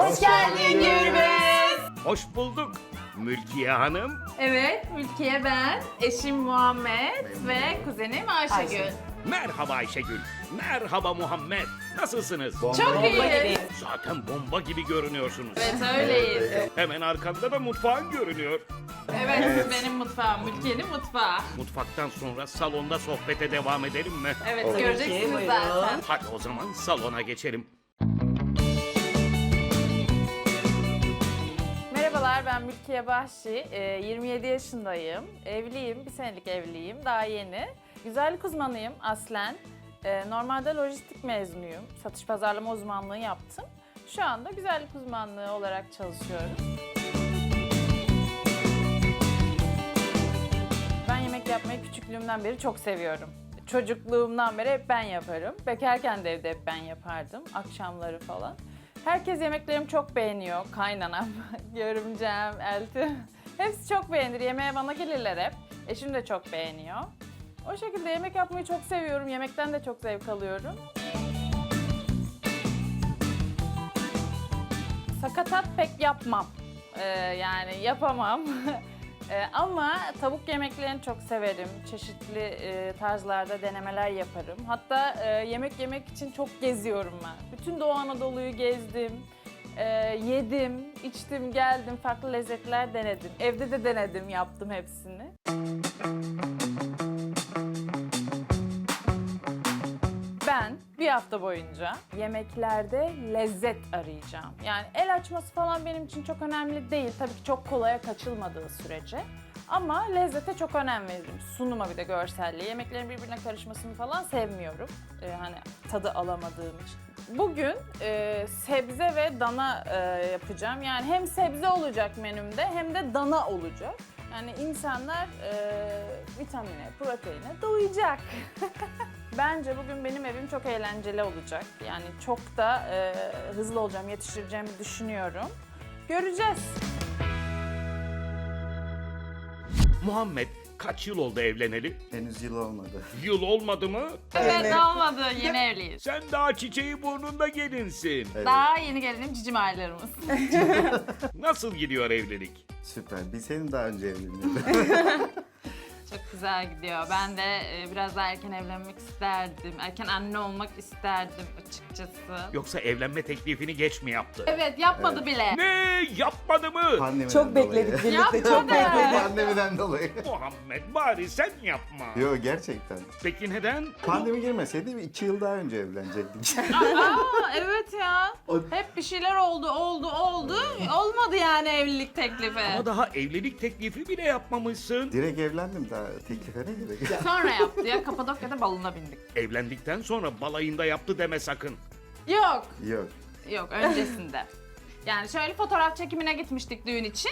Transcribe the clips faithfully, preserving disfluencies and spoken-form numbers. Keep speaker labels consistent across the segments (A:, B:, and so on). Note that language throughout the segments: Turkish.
A: Hoş geldin Gürbüz.
B: Hoş bulduk Mülkiye Hanım.
A: Evet, Mülkiye ben, eşim Muhammed ve kuzenim Ayşegül.
C: Ayşe.
B: Merhaba Ayşegül. Merhaba Muhammed. Nasılsınız?
A: Çok iyiyiz.
B: Zaten bomba gibi görünüyorsunuz.
A: Evet, öyleyiz.
B: Hemen arkanda da mutfağın görünüyor.
A: Evet, benim mutfağım, Mülkiye'nin mutfağı.
B: Mutfaktan sonra salonda sohbete devam edelim mi?
A: Evet,
C: Tabii ki,
A: göreceksiniz
C: buyurun.
A: zaten.
B: Hadi o zaman salona geçelim.
A: Merhabalar, ben Mülkiye Bahşi. Ee, yirmi yedi yaşındayım. Evliyim, bir senelik evliyim, daha yeni. Güzellik uzmanıyım aslen. Ee, normalde lojistik mezunuyum. Satış pazarlama uzmanlığı yaptım. Şu anda güzellik uzmanlığı olarak çalışıyorum. Ben yemek yapmayı küçüklüğümden beri çok seviyorum. Çocukluğumdan beri hep ben yaparım. Bekarken de evde hep ben yapardım. Akşamları falan. Herkes yemeklerimi çok beğeniyor. Kaynanam, görümcem, eltim. Hepsi çok beğenir. Yemeğe bana gelirler hep. Eşim de çok beğeniyor. O şekilde yemek yapmayı çok seviyorum. Yemekten de çok zevk alıyorum. Sakatat pek yapmam. Ee, yani yapamam. Ee, ama tavuk yemeklerini çok severim. Çeşitli e, tarzlarda denemeler yaparım. Hatta e, yemek yemek için çok geziyorum ben. Bütün Doğu Anadolu'yu gezdim. Ee, yedim, içtim, geldim, farklı lezzetler denedim. Evde de denedim, yaptım hepsini. Ben bir hafta boyunca yemeklerde lezzet arayacağım. Yani el açması falan benim için çok önemli değil. Tabii ki çok kolaya kaçılmadığı sürece. Ama lezzete çok önem veririm. Sunuma bir de görselliğe. Yemeklerin birbirine karışmasını falan sevmiyorum. Ee, hani tadı alamadığım için. Bugün e, sebze ve dana e, yapacağım. Yani hem sebze olacak menümde hem de dana olacak. Yani insanlar e, vitamine, proteine doyacak. Bence bugün benim evim çok eğlenceli olacak. Yani çok da e, hızlı olacağım, yetiştireceğimi düşünüyorum. Göreceğiz.
B: Muhammed kaç yıl oldu evleneli?
D: Henüz yıl olmadı.
B: Yıl olmadı mı?
A: Evet, olmadı. Yeni evliyiz.
B: Sen daha çiçeği burnunda gelinsin.
D: Evet.
A: Daha yeni gelinim cicim aylarımız.
B: Nasıl gidiyor evlilik?
D: Süper. Biz senin daha önce evleniyorduk.
A: Çok güzel gidiyor. Ben de e, biraz daha erken evlenmek isterdim. Erken anne olmak isterdim açıkçası.
B: Yoksa evlenme teklifini geç mi yaptı?
A: Evet, yapmadı bile.
B: Ne? Yapmadı mı?
D: Pandemiden
C: Çok bekledik
D: dolayı.
C: birlikte, çok
A: Yapma be.
C: bekledik.
D: Pandemiden dolayı.
B: Muhammed bari sen yapma.
D: Yo, gerçekten.
B: Peki neden?
D: Pandemi girmeseydi iki yıl daha önce evlenecektik.
A: Aa, evet ya. Hep bir şeyler oldu, oldu, oldu. Olmadı yani evlilik teklifi.
B: Ama daha evlilik teklifi bile yapmamışsın.
D: Direkt evlendim, daha teklife ne gerek?
A: Sonra yaptı ya. Kapadokya'da balona bindik.
B: Evlendikten sonra balayında yaptı deme sakın.
A: Yok.
D: Yok.
A: Yok, öncesinde. Yani şöyle fotoğraf çekimine gitmiştik düğün için.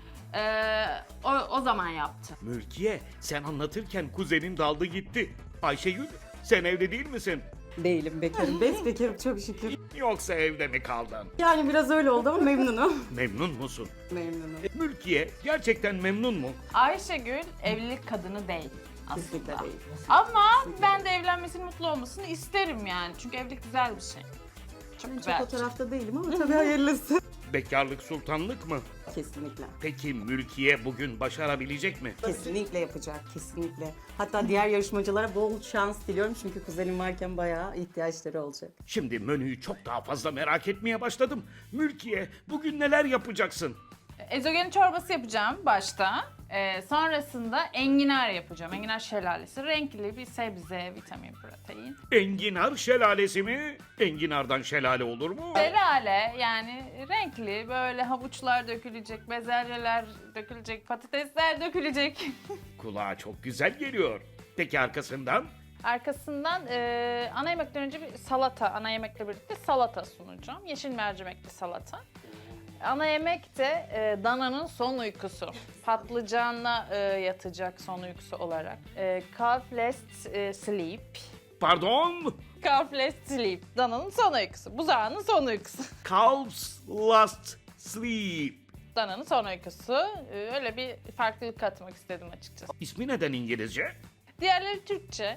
A: Ee, o, o zaman yaptı.
B: Mülkiye sen anlatırken kuzenin daldı gitti. Ayşegül sen evli değil misin?
C: Değilim, bekarım. Besbekarım çok şükür.
B: Yoksa evde mi kaldın?
C: Yani biraz öyle oldu ama memnunum.
B: Memnun musun?
C: Memnunum.
B: Mülkiye gerçekten memnun mu?
A: Ayşegül evlilik kadını değil
C: Kesinlikle
A: aslında.
C: değil.
A: Ama ben de evlenmesini, mutlu olmasını isterim yani. Çünkü evlilik güzel bir şey. Çok
C: Ben
A: güzel.
C: çok o tarafta değilim ama tabii hayırlısı.
B: Bekarlık sultanlık mı?
C: Kesinlikle.
B: Peki Mülkiye bugün başarabilecek mi?
C: Kesinlikle yapacak, kesinlikle. Hatta diğer yarışmacılara bol şans diliyorum çünkü kuzenim varken bayağı ihtiyaçları olacak.
B: Şimdi menüyü çok daha fazla merak etmeye başladım. Mülkiye bugün neler yapacaksın?
A: Ezogelin çorbası yapacağım başta. Ee, sonrasında enginar yapacağım. Enginar şelalesi. Renkli bir sebze, vitamin, protein.
B: Enginar şelalesi mi? Enginardan şelale olur mu?
A: Şelale yani renkli böyle havuçlar dökülecek, bezelyeler dökülecek, patatesler dökülecek.
B: Kulağa çok güzel geliyor. Peki arkasından?
A: Arkasından e, ana yemekten önce bir salata, ana yemekle birlikte salata sunacağım. Yeşil mercimekli salata. Ana yemek de e, dananın son uykusu. Patlıcanla e, yatacak son uykusu olarak. E, calfless e, sleep.
B: Pardon?
A: Calfless sleep. Dananın son uykusu. Buzağının son uykusu.
B: Calves last sleep.
A: Dananın son uykusu. E, öyle bir farklılık katmak istedim açıkçası.
B: İsmi neden İngilizce?
A: Diğerleri Türkçe.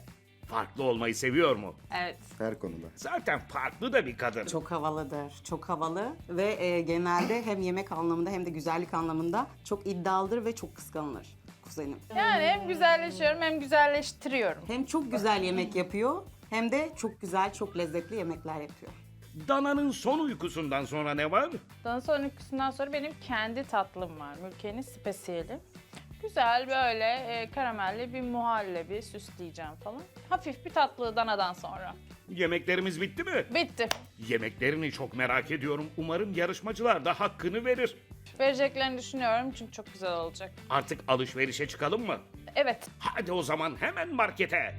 B: Farklı olmayı seviyor mu?
A: Evet.
D: Her konuda.
B: Zaten farklı da bir kadın.
C: Çok havalıdır, çok havalı ve e, genelde hem yemek anlamında hem de güzellik anlamında çok iddialıdır ve çok kıskanılır kuzenim.
A: Yani hem güzelleşiyorum hem güzelleştiriyorum.
C: Hem çok güzel yemek yapıyor hem de çok güzel, çok lezzetli yemekler yapıyor.
B: Dana'nın son uykusundan sonra ne var?
A: Daha sonra uykusundan sonra benim kendi tatlım var. Mülkiye'nin spesiyeli. Güzel böyle e, karamelli bir muhallebi süsleyeceğim falan. Hafif bir tatlı danadan sonra.
B: Yemeklerimiz bitti mi?
A: Bitti.
B: Yemeklerini çok merak ediyorum. Umarım yarışmacılar da hakkını verir.
A: Vereceklerini düşünüyorum çünkü çok güzel olacak.
B: Artık alışverişe çıkalım mı?
A: Evet.
B: Hadi o zaman hemen markete.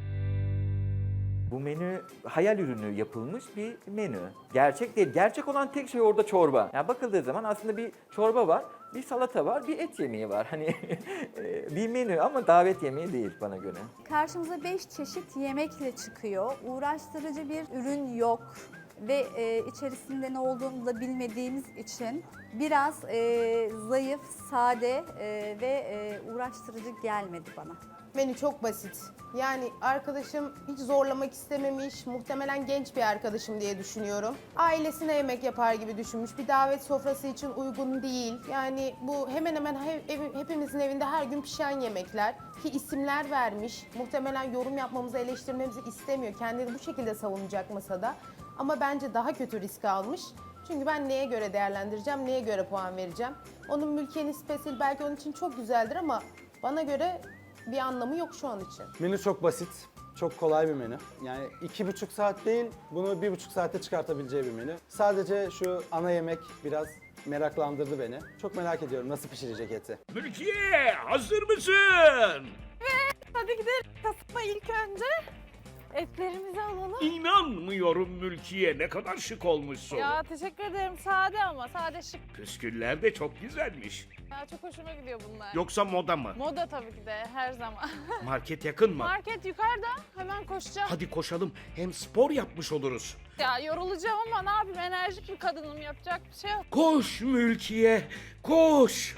E: Bu menü hayal ürünü yapılmış bir menü. Gerçek değil. Gerçek olan tek şey orada çorba. Yani bakıldığı zaman aslında bir çorba var, bir salata var, bir et yemeği var. Hani e, bir menü ama davet yemeği değil bana göre.
F: Karşımıza beş çeşit yemekle çıkıyor. Uğraştırıcı bir ürün yok ve e, içerisinde ne olduğunu da bilmediğimiz için biraz e, zayıf, sade e, ve e, uğraştırıcı gelmedi bana.
G: Menü çok basit. Yani arkadaşım hiç zorlamak istememiş, muhtemelen genç bir arkadaşım diye düşünüyorum. Ailesine yemek yapar gibi düşünmüş, bir davet sofrası için uygun değil. Yani bu hemen hemen he- ev- hepimizin evinde her gün pişen yemekler ki isimler vermiş. Muhtemelen yorum yapmamızı, eleştirmemizi istemiyor. Kendini bu şekilde savunacak masada. Ama bence daha kötü risk almış. Çünkü ben neye göre değerlendireceğim, neye göre puan vereceğim. Onun Mülkiye'nin spesiyeli belki onun için çok güzeldir ama bana göre bir anlamı yok şu an için.
H: Menü çok basit, çok kolay bir menü. Yani iki buçuk saat değil, bunu bir buçuk saatte çıkartabileceği bir menü. Sadece şu ana yemek biraz meraklandırdı beni. Çok merak ediyorum nasıl pişirecek eti.
B: Mülkiye hazır mısın?
A: Hadi gidelim kasıma ilk önce. Etlerimizi alalım.
B: İnanmıyorum Mülkiye, ne kadar şık olmuşsun.
A: Ya teşekkür ederim. Sade ama sade şık.
B: Püsküller de çok güzelmiş.
A: Ya çok hoşuma gidiyor bunlar.
B: Yoksa moda mı?
A: Moda tabii ki de her zaman.
B: Market yakın mı?
A: Market yukarıda. Hemen koşacağım.
B: Hadi koşalım, hem spor yapmış oluruz.
A: Ya yorulacağım ama ne yapayım, enerjik bir kadınım, yapacak bir şey yok.
B: Koş Mülkiye, koş.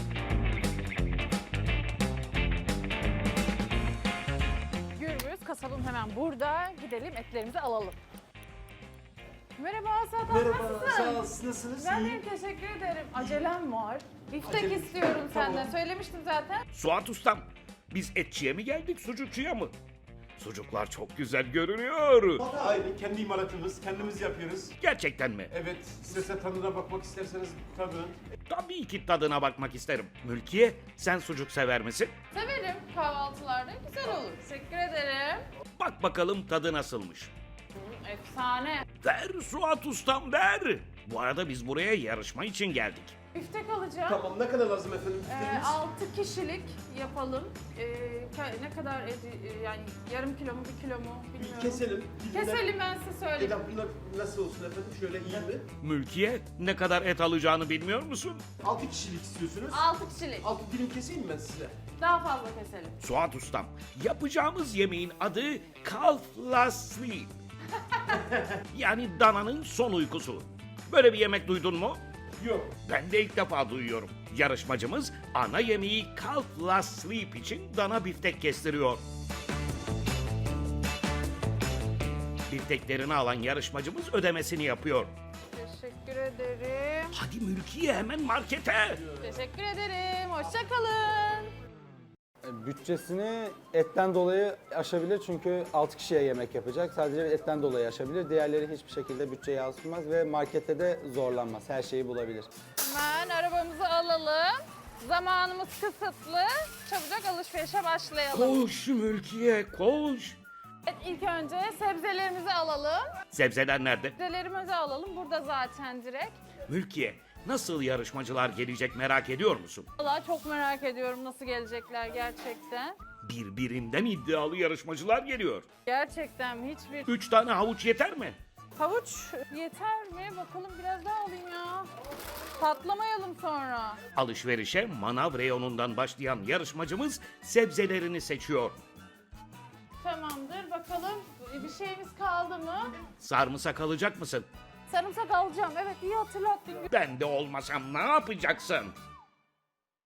A: Gürbüz kasabım hemen burada. Gidelim etlerimizi alalım. Merhaba Asat abi, nasılsın?
I: Sağ ol, siz nasılsınız?
A: Ben
I: İyi.
A: de teşekkür ederim. Acelem var. Biftek istiyorum senden. Söylemiştim zaten.
B: Suat Ustam, biz etçiye mi geldik, sucukçuya mı? Sucuklar çok güzel görünüyor.
I: Aynı kendi imalatımız, kendimiz yapıyoruz.
B: Gerçekten mi?
I: Evet, size tadına bakmak isterseniz tadın.
B: Tabii ki tadına bakmak isterim. Mülkiye, sen sucuk sever misin?
A: Severim, kahvaltılarda güzel olur. Teşekkür ederim.
B: Bak bakalım tadı nasılmış.
A: Hı, efsane.
B: Ver Suat Ustam, ver. Bu arada biz buraya yarışma için geldik.
A: Biftek alacağım.
I: Tamam, ne kadar lazım efendim
A: Ee,
I: fikriniz?
A: altı kişilik yapalım. Ee, ka- ne kadar edi- e, yani yarım kilo mu bir kilo mu bilmiyorum.
I: Keselim.
A: Keselim, ben size söyleyeyim.
I: Eda, bunlar nasıl olsun efendim? Şöyle iyi mi?
B: Mülkiye, ne kadar et alacağını bilmiyor musun?
I: altı kişilik istiyorsunuz.
A: altı kişilik.
I: altı dilim keseyim mi ben size?
A: Daha fazla keselim.
B: Suat Ustam, yapacağımız yemeğin adı Calf Last Sleep. Yani dananın son uykusu. Böyle bir yemek duydun mu?
I: Yok.
B: Ben de ilk defa duyuyorum. Yarışmacımız ana yemeği Calf Last Sleep için dana biftek kestiriyor. Bifteklerini alan yarışmacımız ödemesini yapıyor.
A: Teşekkür ederim.
B: Hadi Mülkiye, hemen markete.
A: Teşekkür ederim. Hoşça kalın.
H: E, Bütçesini etten dolayı aşabilir çünkü altı kişiye yemek yapacak. Sadece etten dolayı aşabilir. Diğerleri hiçbir şekilde bütçeye yansımaz ve markette de zorlanmaz. Her şeyi bulabilir.
A: Hemen arabamızı alalım. Zamanımız kısıtlı. Çabucak alışverişe başlayalım.
B: Koş Mülkiye, koş.
A: Evet, ilk önce sebzelerimizi alalım.
B: Sebzeler nerede?
A: Sebzelerimizi alalım. Burada zaten direkt.
B: Mülkiye, nasıl yarışmacılar gelecek merak ediyor musun?
A: Vallahi çok merak ediyorum nasıl gelecekler gerçekten.
B: Birbirinden iddialı yarışmacılar geliyor.
A: Gerçekten mi? Hiçbir
B: Üç tane havuç yeter mi?
A: havuç yeter mi? Bakalım biraz daha alayım ya. Patlamayalım sonra.
B: Alışverişe manav reyonundan başlayan yarışmacımız sebzelerini seçiyor.
A: Tamamdır. Bakalım bir şeyimiz kaldı mı?
B: Sarımsak alacak mısın?
A: Sarımsak alacağım. Evet, iyi hatırlattın.
B: Ben de olmasam ne yapacaksın?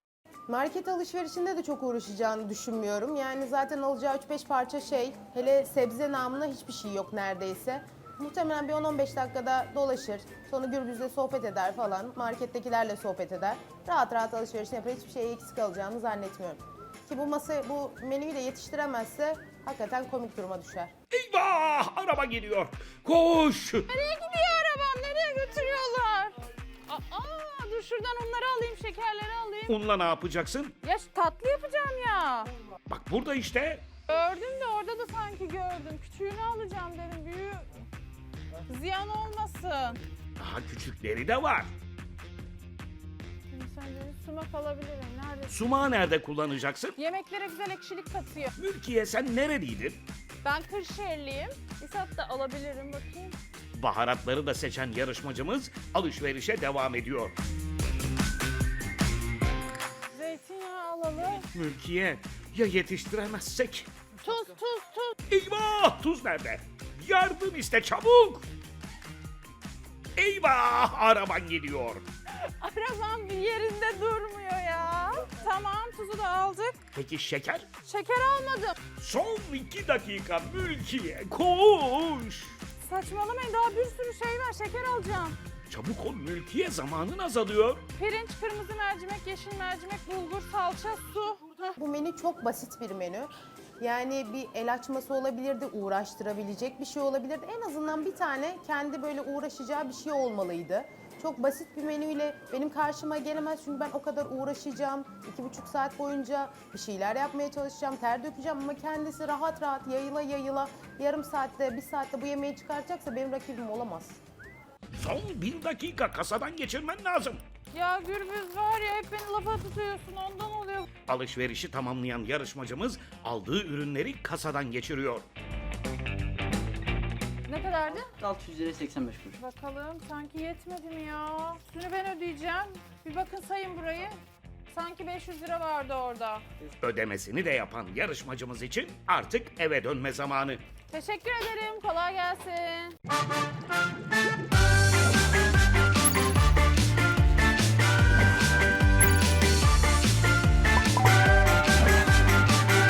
G: Market alışverişinde de çok uğraşacağını düşünmüyorum. Yani zaten alacağı üç beş parça şey, hele sebze namına hiçbir şey yok neredeyse. Muhtemelen bir on on beş dakikada dolaşır. Sonra Gürbüz'le sohbet eder falan. Markettekilerle sohbet eder. Rahat rahat alışverişini yapar. Hiçbir şeye eksik kalacağını zannetmiyorum. Ki bu masa, bu menüyü de yetiştiremezse hakikaten komik duruma düşer.
B: Eyvah! Araba geliyor. Koş!
A: Nereye gidiyor arabam? Nereye götürüyorlar? Aa, dur şuradan onları alayım, şekerleri alayım.
B: Unla ne yapacaksın?
A: Ya şu tatlı yapacağım ya.
B: Bak burada işte.
A: Gördüm de orada da sanki gördüm. Küçüğünü alacağım dedim, büyüğü ziyan olmasın.
B: Daha küçükleri de var.
A: Şimdi sence sumak alabilirim. Nerede?
B: Sumağı nerede kullanacaksın?
A: Yemeklere güzel ekşilik katıyor.
B: Mülkiye sen nereliydin?
A: Ben Kırşehirliyim. İsat da alabilirim, bakayım.
B: Baharatları da seçen yarışmacımız alışverişe devam ediyor.
A: Zeytinyağı alalım.
B: Mülkiye ya yetiştiremezsek?
A: Tuz, tuz, tuz.
B: Eyvah! Tuz nerede? Yardım iste çabuk! Eyvah! Araban geliyor.
A: Arabam bir yerinde durmuyor ya. Tamam, tuzu da aldık.
B: Peki şeker?
A: Şeker almadım.
B: Son iki dakika Mülkiye koş!
A: Saçmalamayın, daha bir sürü şey var. Şeker alacağım.
B: Çabuk ol Mülkiye, zamanın azalıyor.
A: Pirinç, kırmızı mercimek, yeşil mercimek, bulgur, salça, su. Heh.
G: Bu menü çok basit bir menü. Yani bir el açması olabilirdi, uğraştırabilecek bir şey olabilirdi. En azından bir tane kendi böyle uğraşacağı bir şey olmalıydı. Çok basit bir menüyle benim karşıma gelemez çünkü ben o kadar uğraşacağım. iki buçuk saat boyunca bir şeyler yapmaya çalışacağım, ter dökeceğim ama kendisi rahat rahat yayıla yayıla yarım saatte, bir saatte bu yemeği çıkartacaksa benim rakibim olamaz.
B: Son bir dakika, kasadan geçirmen lazım.
A: Ya Gürbüz var ya, hep beni lafa tutuyorsun, ondan oluyor.
B: Alışverişi tamamlayan yarışmacımız aldığı ürünleri kasadan geçiriyor.
A: Ne kadardı?
J: altı yüz lira seksen beş kuruş.
A: Bakalım, sanki yetmedi mi ya? Üstünü ben ödeyeceğim. Bir bakın, sayın burayı. Sanki beş yüz lira vardı orada.
B: Ödemesini de yapan yarışmacımız için artık eve dönme zamanı.
A: Teşekkür ederim, kolay gelsin.